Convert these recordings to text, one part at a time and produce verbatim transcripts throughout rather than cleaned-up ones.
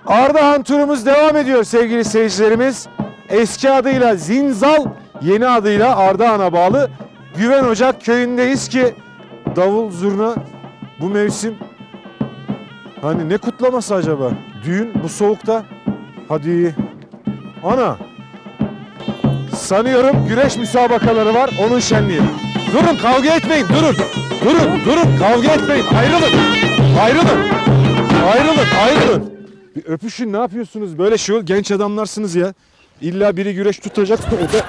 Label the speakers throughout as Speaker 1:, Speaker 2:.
Speaker 1: Ardahan turumuz devam ediyor sevgili seyircilerimiz. Eski adıyla Zinzal, yeni adıyla Ardahan'a bağlı Güven Ocak köyündeyiz ki davul zurna bu mevsim hani ne kutlaması acaba? Düğün bu soğukta. Hadi. Ana. Sanıyorum güreş müsabakaları var, onun şenliği. Durun, kavga etmeyin, durun. Durun, durun, kavga etmeyin. Ayrılın. Ayrılın. Ayrılın, ayrılın. Bir öpüşün, ne yapıyorsunuz? Böyle şey ol, genç adamlarsınız ya. İlla biri güreş tutacak. O da...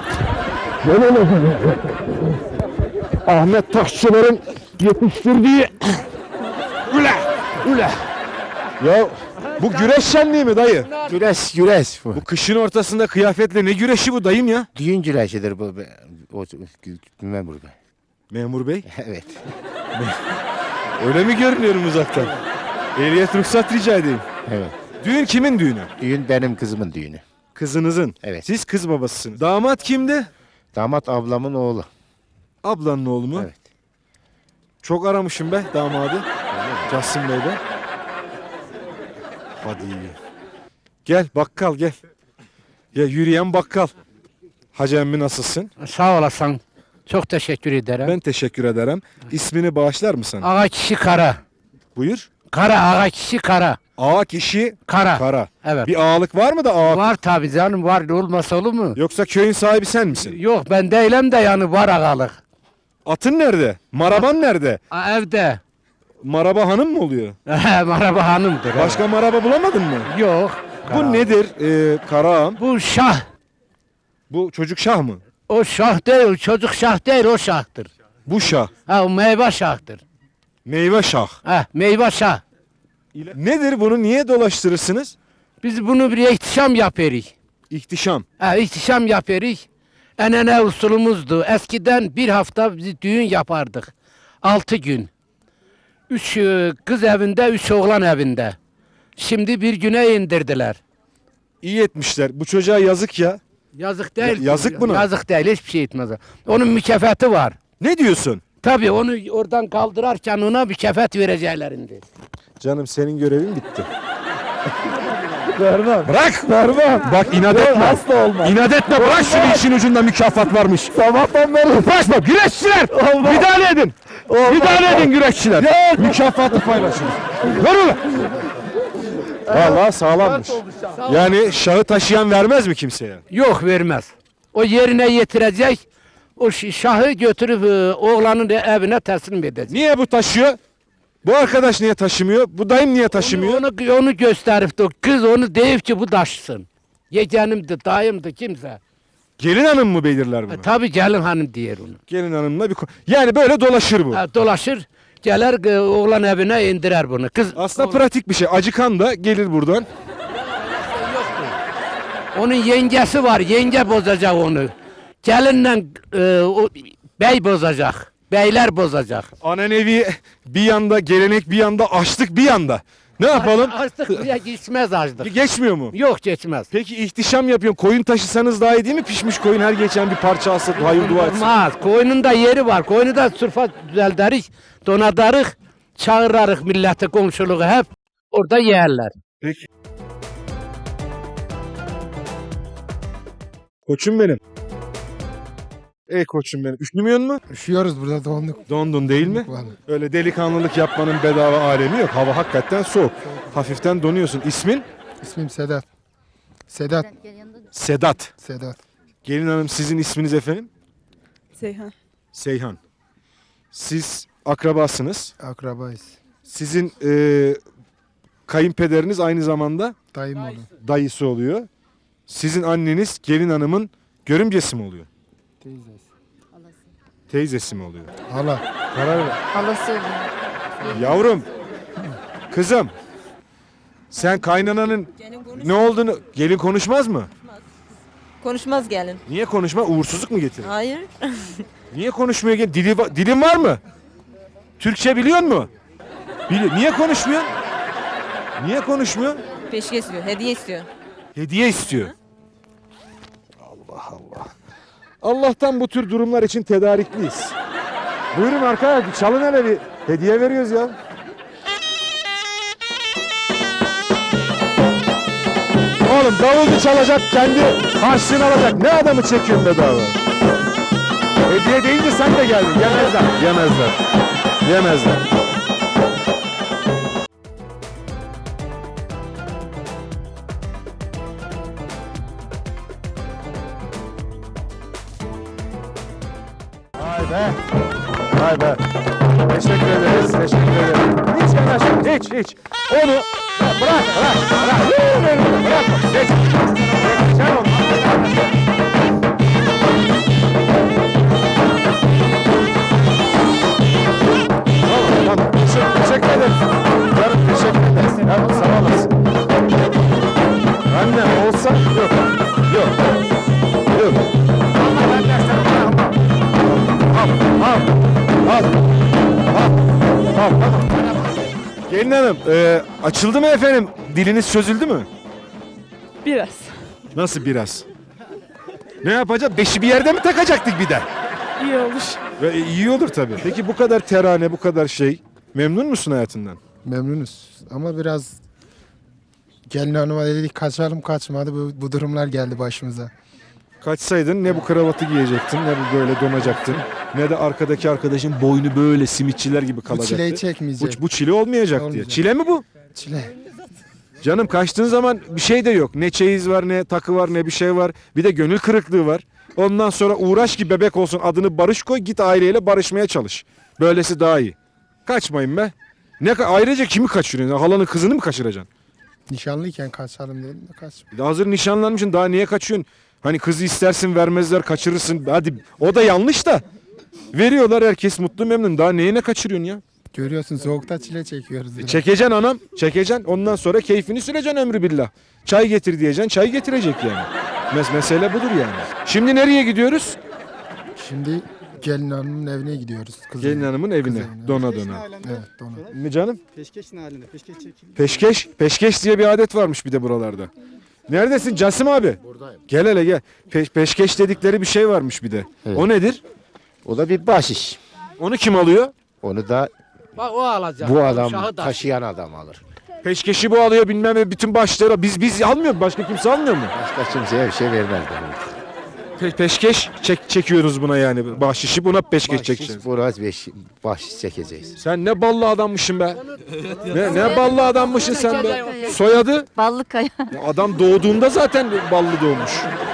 Speaker 1: Ahmet Taşçılar'ın yetiştirdiği... Üle, üle. Ya bu güreş şenliği mi dayı?
Speaker 2: Güreş, güreş bu.
Speaker 1: Bu kışın ortasında kıyafetle ne güreşi bu dayım ya?
Speaker 2: Düğün güreşidir bu. O, memur bey.
Speaker 1: Memur bey,
Speaker 2: Evet.
Speaker 1: öyle mi görünüyorum uzaktan? Ehliyet ruhsat rica edeyim.
Speaker 2: Evet.
Speaker 1: Düğün kimin düğünü?
Speaker 2: Düğün benim kızımın düğünü.
Speaker 1: Kızınızın.
Speaker 2: Evet.
Speaker 1: Siz kız babasısınız. Damat kimdi?
Speaker 2: Damat ablamın oğlu.
Speaker 1: Ablanın oğlu mu?
Speaker 2: Evet.
Speaker 1: Çok aramışım be damadı. Casım Bey be. Hadi. Gel bakkal gel. Ya yürüyen bakkal. Hacı emmi nasılsın?
Speaker 3: Sağ olasın. Çok teşekkür ederim.
Speaker 1: Ben teşekkür ederim. İsmini bağışlar mısın?
Speaker 3: Ağa kişi kara.
Speaker 1: Buyur.
Speaker 3: Kara ağa kişi kara.
Speaker 1: Ağa kişi
Speaker 3: Kara.
Speaker 1: kara.
Speaker 3: Evet.
Speaker 1: Bir ağalık var mı da ağa?
Speaker 3: Var tabi canım, var, olmasa olur mu?
Speaker 1: Yoksa köyün sahibi sen misin?
Speaker 3: Yok, ben değilim de yani var ağalık.
Speaker 1: Atın nerede? Maraban nerede?
Speaker 3: A, evde.
Speaker 1: Maraba hanım mı oluyor?
Speaker 3: Maraba hanımdır.
Speaker 1: Başka maraba bulamadın mı?
Speaker 3: evet. Yok.
Speaker 1: Bu
Speaker 3: Kara.
Speaker 1: nedir ee, Karaağam?
Speaker 3: Bu şah.
Speaker 1: Bu çocuk şah mı?
Speaker 3: O şah değil, çocuk şah değil, o şahtır.
Speaker 1: Bu şah.
Speaker 3: Ha, o meyve şahtır.
Speaker 1: Meyve şah.
Speaker 3: Ha, meyve şah.
Speaker 1: Nedir bunu niye dolaştırırsınız?
Speaker 3: Biz bunu bir ihtişam yapıyoruz.
Speaker 1: İhtişam.
Speaker 3: Ha, ihtişam yapıyoruz. Enene usulümüzdü. Eskiden bir hafta biz düğün yapardık. Altı gün. Üç e, kız evinde, üç oğlan evinde. Şimdi bir güne indirdiler.
Speaker 1: İyi etmişler. Bu çocuğa yazık ya.
Speaker 3: Yazık değil.
Speaker 1: Ya- yazık buna.
Speaker 3: Yazık değil, hiçbir şey etmez. Onun mükafatı var.
Speaker 1: Ne diyorsun?
Speaker 3: Tabii onu oradan kaldırarken ona mükafat vereceklerindi.
Speaker 1: Canım senin görevin bitti. Vermem. Bırak. Vermem. Bak inat etme. Hasta olma. İnat etme. Bırak şunu, işin ucunda mükafat varmış. Sabahtan beri. Uğraşma. Güreşçiler. Müdahale edin. Müdahale edin güreşçiler. Mükafatı paylaşın. Ver ulan. Vallahi sağlammış. Yani şahı taşıyan vermez mi kimseye?
Speaker 3: Yok, vermez. O yerine getirecek. O ş- şahı götürüp e, oğlanın evine teslim edecek.
Speaker 1: Niye bu taşıyor? Bu arkadaş niye taşımıyor? Bu dayım niye taşımıyor?
Speaker 3: Onu, onu, onu gösterip de kız onu deyip ki bu taşısın. Yeğenimdi, dayımdı, kimse.
Speaker 1: Gelin hanım mı belirler bunu?
Speaker 3: E, tabii gelin hanım diyor onu.
Speaker 1: Gelin hanımla bir ko- yani böyle dolaşır bu.
Speaker 3: Ha, dolaşır, gelir e, oğlan evine indirer bunu. Kız
Speaker 1: Aslında
Speaker 3: oğlan-
Speaker 1: pratik bir şey. Acıkan da gelir buradan.
Speaker 3: onun yengesi var, yenge bozacak onu. Gelinle e, o, bey bozacak, beyler bozacak.
Speaker 1: Anenevi bir yanda, gelenek bir yanda, açlık bir yanda. Ne yapalım?
Speaker 3: Açlık buraya geçmez açlık.
Speaker 1: Geçmiyor mu?
Speaker 3: Yok, geçmez.
Speaker 1: Peki ihtişam yapıyorum. Koyun taşısanız daha iyi değil mi? Pişmiş koyun her geçen bir parça alsa hayır dua etsin.
Speaker 3: Olmaz. Koyunun da yeri var. Koyunu da sırfa düzelteriz, donatarız, çağırırız milleti, komşuluğu hep orada yerler.
Speaker 1: Peki. Koçum benim. Ey koçum benim. Üşümüyor mu?
Speaker 4: Üşüyoruz burada, donduk.
Speaker 1: Dondun değil mi?
Speaker 4: Vallahi.
Speaker 1: Öyle delikanlılık yapmanın bedava alemi yok. Hava hakikaten soğuk. Hafiften donuyorsun. İsmin?
Speaker 4: İsmim Sedat. Sedat.
Speaker 1: Sedat.
Speaker 4: Sedat.
Speaker 1: Gelin hanım sizin isminiz efendim?
Speaker 5: Seyhan.
Speaker 1: Seyhan. Siz akrabasınız.
Speaker 4: Akrabayız.
Speaker 1: Sizin e, kayınpederiniz aynı zamanda
Speaker 4: Dayım oğlu.
Speaker 1: dayısı oluyor. Sizin anneniz gelin hanımın görümcesi mi oluyor?
Speaker 4: Teyzesi.
Speaker 1: Teyzesi mi oluyor?
Speaker 4: Hala.
Speaker 1: Karar ver.
Speaker 6: Halası oluyor.
Speaker 1: Yavrum, kızım, sen kaynananın ne olduğunu, gelin konuşmaz mı?
Speaker 5: Konuşmaz gelin.
Speaker 1: Niye konuşma? Uğursuzluk mu getirir?
Speaker 5: Hayır.
Speaker 1: Niye konuşmuyor gelin? Dili, va- dilin var mı? Türkçe biliyor mu? Bili Niye konuşmuyor? Niye konuşmuyor?
Speaker 5: Peşke istiyor, hediye istiyor.
Speaker 1: Hediye istiyor. Allah Allah. Allah'tan bu tür durumlar için tedarikliyiz. Buyurun arkaya, bir çalın hele, bir hediye veriyoruz ya. Oğlum davulcu çalacak, kendi harçlığını alacak. Ne adamı çekiyorsun bedava? Hediye deyince sen de geldin. Yemezler. Yemezler. Yemezler. Vay be. Vay be. Teşekkür ederiz. Teşekkür ederim. Hiç yanaşma. Hiç hiç. Onu bırak bırak bırak. Bırak. Geç. Geç. Sen onu. Tamam tamam. Teşekkür, teşekkür ederim. Canım teşekkür ederiz. Yavrum sağ olasın. Annem olsa yok. Yok. Yok. Allah ben dersem bırakmam. Al, al, al, al, al, al. Gelin hanım, e, açıldı mı efendim? Diliniz çözüldü mü?
Speaker 5: Biraz.
Speaker 1: Nasıl biraz? Ne yapacağız? Beşi bir yerde mi takacaktık bir de?
Speaker 5: İyi olur.
Speaker 1: Ve iyi olur tabii. Peki bu kadar terane, bu kadar şey, memnun musun hayatından?
Speaker 4: Memnunuz ama biraz gelin hanıma dedik kaçalım kaçmadı bu, bu durumlar geldi başımıza.
Speaker 1: Kaçsaydın ne bu kravatı giyecektin, ne bu böyle donacaktın, ne de arkadaki arkadaşın boynu böyle simitçiler gibi
Speaker 4: Bu
Speaker 1: kalacaktı.
Speaker 4: çileyi
Speaker 1: Bu,
Speaker 4: çekmeyecek.
Speaker 1: bu çile olmayacak diye.
Speaker 4: Olmayacak.
Speaker 1: Çile mi bu?
Speaker 4: Çile.
Speaker 1: Canım kaçtığın zaman bir şey de yok. Ne çeyiz var, ne takı var, ne bir şey var. Bir de gönül kırıklığı var. Ondan sonra uğraş ki bebek olsun, adını Barış koy, git aileyle barışmaya çalış. Böylesi daha iyi. Kaçmayın be. Ne ka- ayrıca kimi kaçırıyorsun? Halanın kızını mı kaçıracaksın?
Speaker 4: Nişanlıyken kaçalım dedim de kaç.
Speaker 1: Bir de hazır nişanlanmışsın, daha niye kaçıyorsun? Hani kızı istersin, vermezler, kaçırırsın. Hadi o da yanlış da. Veriyorlar, herkes mutlu memnun. Daha neyine kaçırıyorsun ya?
Speaker 4: Görüyorsun soğukta çile çekiyoruz. biraz.
Speaker 1: Çekeceksin anam, çekeceksin. Ondan sonra keyfini süreceksin ömrü billah. Çay getir diyeceksin, çay getirecek yani. Mes mesele budur yani. Şimdi nereye gidiyoruz?
Speaker 4: Şimdi gelin hanımın evine gidiyoruz. Kızın.
Speaker 1: Gelin hanımın evine.
Speaker 4: evine.
Speaker 1: Dona dona.
Speaker 4: Evet dona.
Speaker 1: Mi canım?
Speaker 7: Peşkeşin halinde. Peşkeş çekildi.
Speaker 1: Peşkeş. Peşkeş diye bir adet varmış bir de buralarda. Neredesin Casim abi?
Speaker 2: Buradayım.
Speaker 1: Gel hele gel. Pe- peşkeş dedikleri bir şey varmış bir de.
Speaker 2: Evet.
Speaker 1: O nedir?
Speaker 2: O da bir bahşiş.
Speaker 1: Onu kim alıyor?
Speaker 2: Onu da
Speaker 3: Bak o alacak.
Speaker 2: bu adam
Speaker 3: Uşağı da.
Speaker 2: taşıyan adam alır.
Speaker 1: Peşkeşi bu alıyor bilmem ne bütün başları. Biz biz almıyor mu? Başka kimse almıyor mu?
Speaker 2: Başka kimseye bir şey vermez.
Speaker 1: Pe- peşkeş çek çekiyoruz buna yani. Bahşişi buna peşkeş
Speaker 2: Bahşiş
Speaker 1: çekeceğiz.
Speaker 2: biraz beş, bahşiş çekeceğiz.
Speaker 1: Sen ne ballı adammışsın be. Ne, ne ballı adammışsın sen be. Soyadı?
Speaker 6: Ballıkaya.
Speaker 1: Ya adam doğduğunda zaten ballı doğmuş.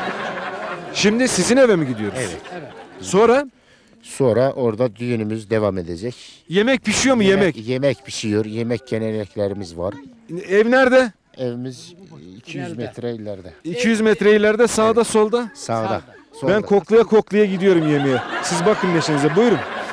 Speaker 1: Şimdi sizin eve mi gidiyoruz?
Speaker 2: Evet.
Speaker 1: Sonra
Speaker 2: Sonra orada düğünümüz devam edecek.
Speaker 1: yemek pişiyor mu yemek?
Speaker 2: Yemek pişiyor. Yemek geleneklerimiz var.
Speaker 1: Ev nerede?
Speaker 2: Evimiz iki yüz metre ileride.
Speaker 1: iki yüz metre ileride sağda solda.
Speaker 2: Sağda. Solda.
Speaker 1: Ben koklaya koklaya gidiyorum yemeğe. Siz bakın neşenize buyurun.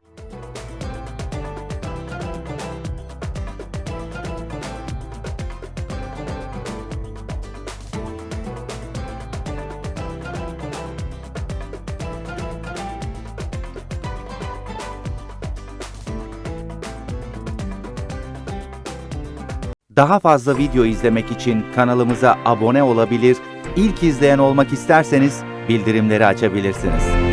Speaker 8: Daha fazla video izlemek için kanalımıza abone olabilir, ilk izleyen olmak isterseniz bildirimleri açabilirsiniz.